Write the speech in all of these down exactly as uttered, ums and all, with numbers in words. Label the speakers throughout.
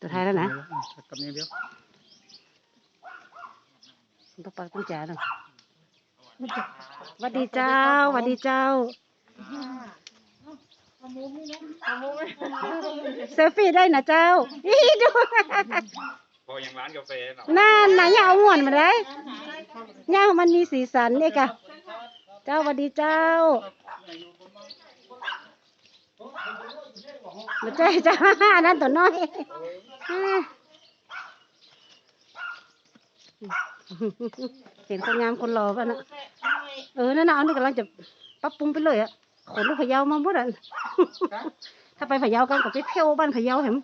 Speaker 1: ตัวท้ายแล้วนะ
Speaker 2: กับนี้เดียว
Speaker 1: ปะปะกุญแจหน่อยสวัสดีเจ้าสวัสดีเจ้าเซลฟี่ได้นะเจ้าอีดู
Speaker 2: พออย่างร้านกาแฟเนาะ
Speaker 1: นั่นนะอย่าเอาหมวนมาได้ย่ามันมีสีสันนี่กะเจ้าสวัสดีเจ้ามาเจ้าเจ้านั่นตัวน้อยเห็นคนงามคนหล่อป่ะนะเออนั่นน่ะอันนี้กำลังจะปรับปรุงไปเลยอ่ะขนลูกพะเยามาหมดอ่ะถ้าไปพะเยากันก็ไปเที่ยวบ้านพะเยาเห็น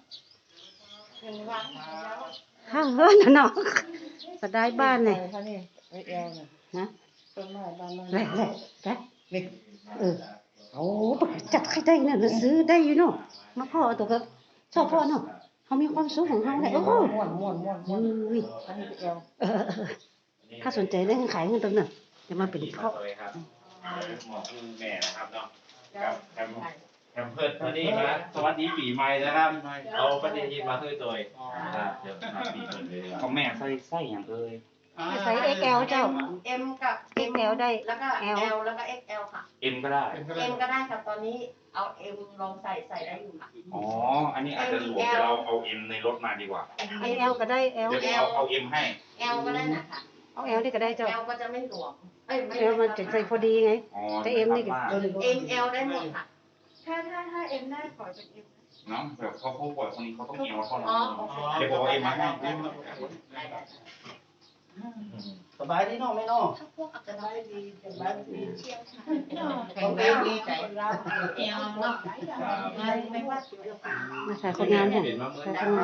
Speaker 1: ฮ่าเฮ้ยน่ะเนาะสดายบ้านเนี่ยนะแหละแหละแหละเออเอาจัดใครได้เนี่ยซื้อได้อยู่เนาะมาพ่อตัวก็ชอบพ่อเนาะเขามีความสุขของเขาเลยโอ้โหม่วนม่วนม่วนม่วนเออถ้าสนใจเรื่องขายเงินตรงนั้นจะมาเป็นพ่อ
Speaker 3: หมอคือแม่นะครับเนาะกับแคมแคมเพิร์ดวันนี้มาสวัสดีปีใหม่นะครับเอาประเด็นที่มาคือตัวครับเดี๋ยวมาปีเปิดเลยของแม่ใส่ใส่อย่างเอ่ย
Speaker 1: ใส่ เอ็กซ์ แอล เจ้า
Speaker 4: M กับ
Speaker 1: เอ็กซ์ แอล ได้
Speaker 4: แล้วก็ L แล้วก็ เอ็กซ์ แอล ค่ะ
Speaker 3: เอ็มก็ได้
Speaker 4: M ก็ได้ครับตอนนี้เอา M ลองใส่ใส่ได้อยู่ค่ะ
Speaker 3: อ๋ออันนี้อาจจะหลวมเดี๋ยวเราเอาเอ็มในรถมาดีกว่า
Speaker 1: ไอ แอล ก็ได้ L
Speaker 3: เดี๋ยวเอาเอาเอ็มให้
Speaker 4: L ก็ได้นะคะ
Speaker 1: เอา L นี่ก็ได้เจ้า
Speaker 4: L ก็จะไม่หลวมเอ้ยไม่
Speaker 1: L มันจะใส่พอดีไง
Speaker 3: อ๋อ
Speaker 1: แต่ M นี่ก็
Speaker 4: M L ได้หมดค่ะถ้าถ้าถ้า M ได้ขอเป็น M
Speaker 3: เนาะแบบเขาเขาปล่อยคนนี้เขาต้องเอวเท่านั้
Speaker 4: อ๋อน โอเค
Speaker 3: เดี๋ยวบอกเอ็มมาให้
Speaker 2: สบายดีเนาะไม่เนาะ
Speaker 4: ถ้าพวกอาจจะได้ดีสบายดีเชี่ยวชาญ
Speaker 2: แข็งแรงดีใจ
Speaker 4: L เนาะไม่ไม่ว่าจะเรื่อง
Speaker 1: มาใส่คนงานเนี่ยใส่คนงาน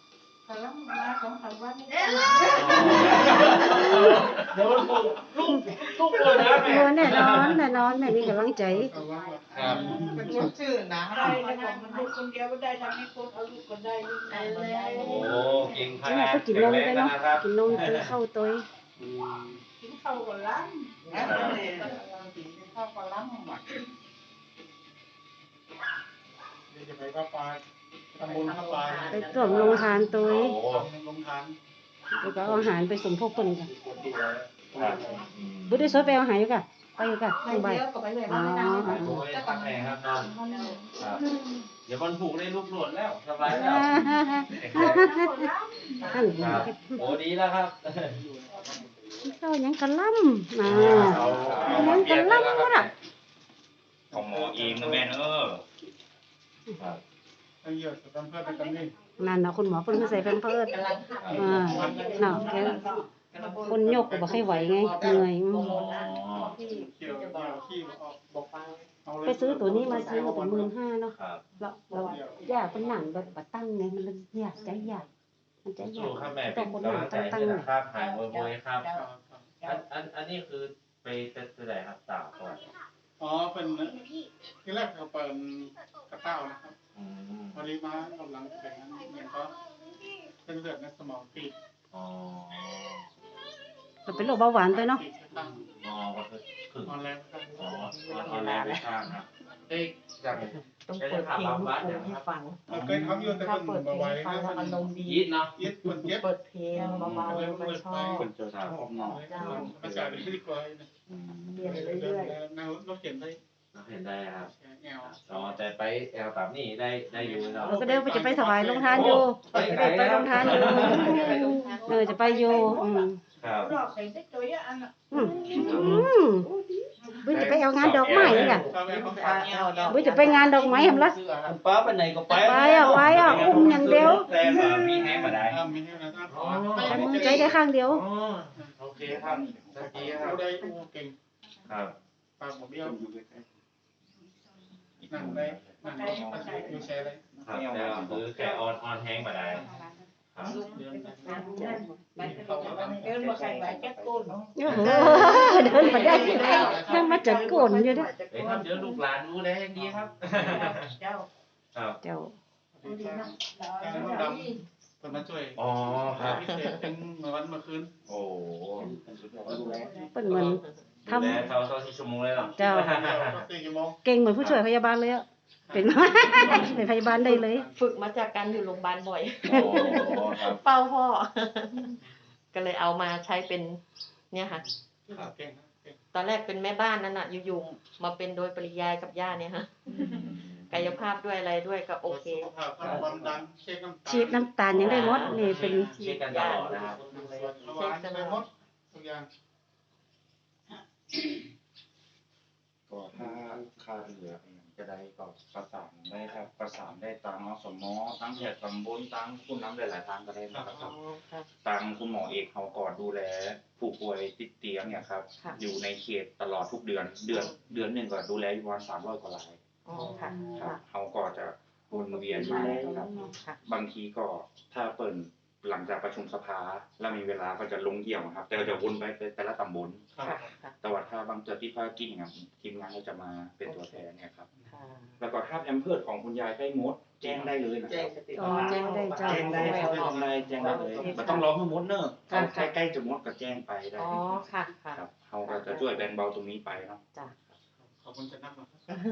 Speaker 3: เดี๋ยวลูกลูกลูกคนนะแม่
Speaker 1: โอ้แน่นอนแน่นอนแม่มีกำลังใจ
Speaker 3: ครับ
Speaker 2: เป็นคนชื่อนะ
Speaker 5: ได้นะคะมันลูกคนเดียวก็ได้ทำให้คนเอาลูกคนได้ลูกได้เลย
Speaker 3: โอ้เก่งข
Speaker 1: นี่แห
Speaker 3: นา
Speaker 1: ละ
Speaker 3: ด
Speaker 1: ก็กินนมไปเนาะ
Speaker 3: ครับ
Speaker 1: กินนมกินข้าวตัว
Speaker 5: กินข้าวก่อนล้างข้าวก่อนล้าง
Speaker 2: จะไปก็ปลาตำบลข้าวปลา
Speaker 1: ไปตรวจโรงทานตัว
Speaker 3: โอ้
Speaker 2: ลงทาน
Speaker 1: แล้วก็เอาอาหารไปสมทบเพิ่นกันบุได้สวยไปเอาอาหารอยู่กะไปอยู่กะ
Speaker 4: ไป
Speaker 1: ลงไป
Speaker 4: เยอะกว่าไปเลย
Speaker 1: อ๋อ
Speaker 4: ว่าไม่ได้
Speaker 3: โหตั้งแต่ครับน้องครับเดี๋ยววันผูกได้ลูกหลวดแล้วสบายแล้ว
Speaker 1: นั่น
Speaker 3: ครับโอ้ดีแล้วครับ
Speaker 1: เข้ายังกะล่ำอ่ายังกะล่ำวะน่ะ
Speaker 3: ของหมอเองนะแม่เนอะครับ
Speaker 2: ไอ้เหี้ยจะทำเพื่อกันนี่
Speaker 1: นั่นเนาะคุณหมอเพิ่นก็ใส่แพมเพิร์ส
Speaker 4: กำลัง
Speaker 1: อ่าเนาะแกคนยกก็บ่ค่อยไหวไงเหนื่อยอืม
Speaker 4: ที่
Speaker 2: เกี่ยวเกี่ยวขี้ออกบอกฟังเอาเลย
Speaker 1: ไปซื้อตัวนี้มาซื้อตัวหมื่นห้าเนาะ
Speaker 3: ครับ
Speaker 1: เราเราอยากเป็นหนังแบบบัตั้งไงมันเลยอยากใจอยากมันใจอยา
Speaker 3: สู้
Speaker 1: ก
Speaker 3: ครับแม่
Speaker 1: ต้
Speaker 3: เป็
Speaker 1: อง
Speaker 3: น
Speaker 1: คนหนั
Speaker 3: กำลั
Speaker 1: ง
Speaker 3: งใจ
Speaker 1: ตั้ง
Speaker 3: ให้
Speaker 1: ๆ
Speaker 3: นะ
Speaker 1: เนี่ย
Speaker 3: ครับหายโวยๆครับอันอันอันนี้คือไปเต็มไหนครับสาวก่อน
Speaker 2: อ๋อเป็นที่แรกเขาเปิดกระเต้านะครับ
Speaker 3: อืม
Speaker 2: พอดีมากำลังแข่งมันก็เส้นเลือดในสมองตีบ
Speaker 3: อ๋อ
Speaker 1: เราเป็นโรคเบาหวานไปเนาะ
Speaker 2: ตีบตั้ง
Speaker 3: อ๋อก็คือคือ
Speaker 2: ออนแรงตั้ง
Speaker 3: อ๋อตอนแรกไม่ทราบครับเอ้ยจาก
Speaker 5: ต้องเปิดเพลงลูกกรุงให้ฟัง
Speaker 2: เราเคยทำอยู่แต่
Speaker 5: ถ้า
Speaker 2: คน
Speaker 5: เปิดเพล
Speaker 2: มาง ไว้
Speaker 5: ให้ฟัง
Speaker 2: นะ
Speaker 5: แล้ว
Speaker 2: มั
Speaker 5: อาน รมณ์ดี
Speaker 3: ยีดเนาะ
Speaker 2: ยึดคนเย็บ
Speaker 5: เปิดเพลงเบาๆไปชอบ
Speaker 3: คนเจอสาวผมเนาะ
Speaker 2: ภาษาดีกว่า
Speaker 5: เรียนเรื่อย
Speaker 2: ๆเราเราเขียนได้
Speaker 3: เห็นได้ครับ
Speaker 2: แอล
Speaker 3: อ๋อแต่ไปแอลแบบนี้ได้ได้อยู่เนาะ
Speaker 1: เราก็เดินไปจะไปถวายโรงทานอยู่จะได้ไปโรงทานอยู่เออจะไปอยู่อืม
Speaker 3: ครับ
Speaker 5: ๆรอบใส่ได้ตัวเยอะอันอ่ะ
Speaker 1: อืมอืมบุ้ยจะไปเอางานดอกไม้อีกอ่ะ
Speaker 2: ชอบแอลของฝาก
Speaker 1: บุ้ยจะไปงานดอกไม้เห็นละ
Speaker 3: ป้าไปไหนก็ไป
Speaker 1: ไปอ่ะไปอ่ะอุ้มอย่างเดียว
Speaker 3: แต่มามีแห้งมาได้
Speaker 2: มีให้นะ
Speaker 1: ใช้มือใจได้ข้างเดียว
Speaker 3: อ๋อโอเคครับตะกี้ครั
Speaker 2: เรา
Speaker 3: บ
Speaker 2: ได้อูเก่ง
Speaker 3: ครับ
Speaker 2: ปากผมเบี้ยวนั่งได้นั่งได้อยู่แชร์เลย
Speaker 3: ครับแต่คือแค่ออนออนแห้งมาได้ครับ
Speaker 5: เดินมาใส่ใบแก้โกน
Speaker 1: โอ้โหเดินมาได้ยังมาจัดกลนอยู่ด้วย
Speaker 3: เฮ้ยครับเดี๋ยวลูกหลานดูได้ดีครับ
Speaker 5: เจ้า
Speaker 3: ครับ
Speaker 1: เจ้า
Speaker 5: ดีนะ
Speaker 2: แค่นั้นดำคนมาช่วย
Speaker 3: อ๋อครับ
Speaker 2: พิเศษเป็นเมื่อวันเมื่อคืน
Speaker 3: โอ้
Speaker 1: เป็นเหมือนท
Speaker 3: ดูแลเขาเขาที่ชั่วโมงเลยหรอ
Speaker 1: ำเจ้า
Speaker 2: สี่ชั่วโมง
Speaker 1: เก่งเหมือนผู้ช่วยพยาบาลเลยอ่ะเป็น เป็นพยาบาลได้เลย
Speaker 6: ฝึกมาจากการอยู่โรงพยาบาลบ่อย
Speaker 3: อ๋อครับ
Speaker 6: เฝ้าพ่อ ก็เลยเอามาใช้เป็น เนี่ยค่ะ
Speaker 2: ครับเก่งครับเก่ง
Speaker 6: ตอนแรกเป็นแม่บ้านนั่นน่ะอยู่ๆมาเป็นโดยปริยายกับย่าเนี่ยฮะกายภาพด้วยอะไรด้วยก็โอเค
Speaker 2: สุขภาพความดันเช็คน้ำตาล
Speaker 1: ชีดน้ำตาลยังได้หมดนี่เป็น
Speaker 3: เช็คกันตลอดนะครับ
Speaker 2: ระหว่างไปหมดทุกอย่าง
Speaker 3: ก็ถ้าค่าเหลือจะได้ก็ประสานได้ครับประสานได้ตามอสมตั้งแถบตำบลตั้งคุณน้ำหลายๆทางก็ได้นะครับตามคุณหมอเอกเขาก่อนดูแลผู้ป่วยติดเตียงเนี่ยครับ
Speaker 6: ค่ะ
Speaker 3: อยู่ในเขตตลอดทุกเดือนเดือนเดือนหนึ่งก็ดูแลอยู่ประมาณสามร้อยกว่าราย
Speaker 6: อ๋อค่ะ
Speaker 3: ครั
Speaker 6: ค่ะ
Speaker 3: บเขาก็จะวนเวียนมาครับ
Speaker 6: ค่ะ
Speaker 3: บางทีก็ถ้าเปิดหลังจากประชุมสภาแล้วมีเวลาก็จะลงเยี่ยมครับ แต่ก็จะวนไปแต่ละตำบล
Speaker 6: ค่ะค่ะ
Speaker 3: แต่ว่าถ้าบางเจอที่ภาคกินครับทีมงานก็จะมาเป็นตัวแทนเนี่ยครับ
Speaker 6: ค่ะ
Speaker 3: แล้วก็ถ้าแอมเพิร์ดของคุณยายใกล้มดแจ้งได้เลยนะครับ
Speaker 1: อ๋อได้เจ้า
Speaker 3: แจ้งได้ครับแจ้งได้แจ้งได้เลยไม่ต้องรอให้มดเนอะเขาใกล้ใกล้จะมดก็แจ้งไปได้
Speaker 6: อ๋อค่ะค่ะ
Speaker 3: ครับเขาก็จะช่วยแบ่งเบาตรงนี้ไปเนาะ
Speaker 6: จ้ะ
Speaker 2: ขอบคุณจะนั่งมา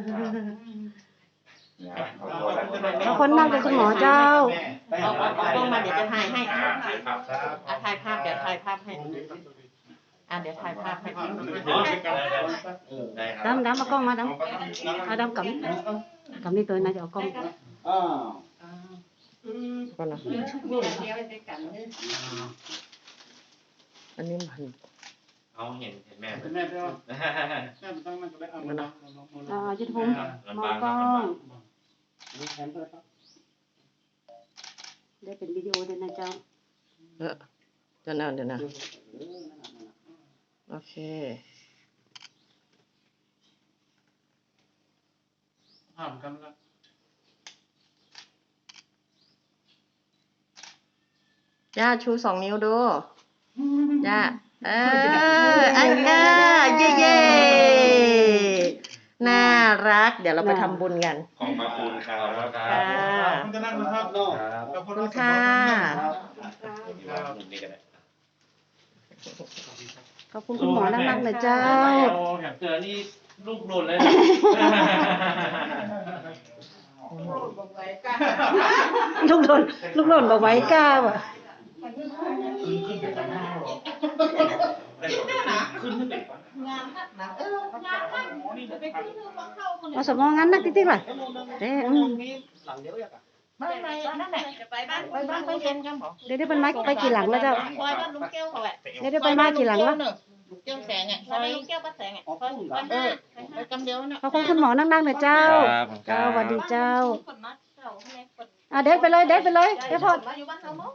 Speaker 1: บางคนนั่งเป็นคุณหมอเจ้า
Speaker 6: เอาเอาเอากล้องมาเดี๋ยวจะถ่ายให้
Speaker 3: อ่าถ่ายภาพครับ
Speaker 6: อ่ะถ่ายภาพเดี๋ยวถ่ายภาพให้ อ่ะเดี๋ยวถ่ายภาพให้
Speaker 3: ได้ครับ
Speaker 1: ดำดำเอากล้องมาดำเอาดำกับกับนี่ตัวน่าจะเอากล้อง
Speaker 6: ก่อนนะ
Speaker 5: เดี๋ยวเดี๋ยวไปกันเลย
Speaker 6: อันนี้มัน
Speaker 3: เอาเห็นเห็นแม่
Speaker 2: เป็นแม่ด้วยแม่มันต้องนั่งก็ได้เอามานั่ง
Speaker 1: อ่ายุทธภูมิมองกล้องได้เป็นวิดีโอด้วยนะเจ้า
Speaker 6: เออเดี๋ยวนะเดี๋ยวนะโอเค
Speaker 2: ห้ามกันละ
Speaker 6: ย่าชูสองนิ้วดูย่าเอออันก้าเย่เย่น่ารัก เดี๋ยวเราไปทำบุญกัน
Speaker 3: ขอบพระคุณครับ
Speaker 6: ค่ะ
Speaker 2: คุณจะนั่งนะครับ
Speaker 3: ครับ
Speaker 6: ขอบคุณค่ะ
Speaker 3: นี่ก็ได้
Speaker 1: ขอบคุณคุณหมอนักๆนะเจ้า
Speaker 3: แหมเจอนี่ลูกหล่นเลย
Speaker 5: บอกไว้กัน
Speaker 1: ลูกโดนลูกหล่นบอกไว้กล้าว่ะ
Speaker 3: ขึ้นขึ้นไป
Speaker 5: งานนักหนาเอองานนักจะไปขึ้นมาเข้าคน
Speaker 1: เอาสมองงั้นนักติ๊กๆล่ะเด้อืม
Speaker 5: ไม่ไม่นั่นแหละจะไปบ้านไปบ้านไปเย็นกันหรอ
Speaker 1: เดี๋ยวได้เป็นไม้ไปกี่หลังแล้วเจ้า
Speaker 5: คอยบ้านลุงแก้วเขาแหละ
Speaker 1: เดี๋ยวได้เป็นไม้กี่หลังแล้ว
Speaker 5: แก้วแสงอ่ะคอยลุงแก้วป้าแสงอ่ะคอยคอยห้าไปกำเดียวน่ะ
Speaker 1: ขอบคุณคุณหมอนักๆนะเจ้า เจ้าสวัสดีเจ้า
Speaker 5: คนมัดเจ้าให้คน
Speaker 1: อ่ะเด็ดไปเลยเด็ดไปเลยเดี๋ยวพอ
Speaker 5: มาอยู่บ้านเขาหมด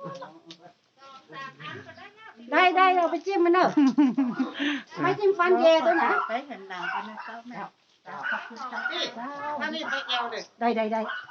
Speaker 1: ได้ได้เอาไปจิ้มมันเนอะไม่จิ้มฟันเยตัวไหน
Speaker 5: ไปเห็นหนังกันนะเจ้าแม่ถ้านี่ไปเอวเลย
Speaker 1: ได้ได้ได้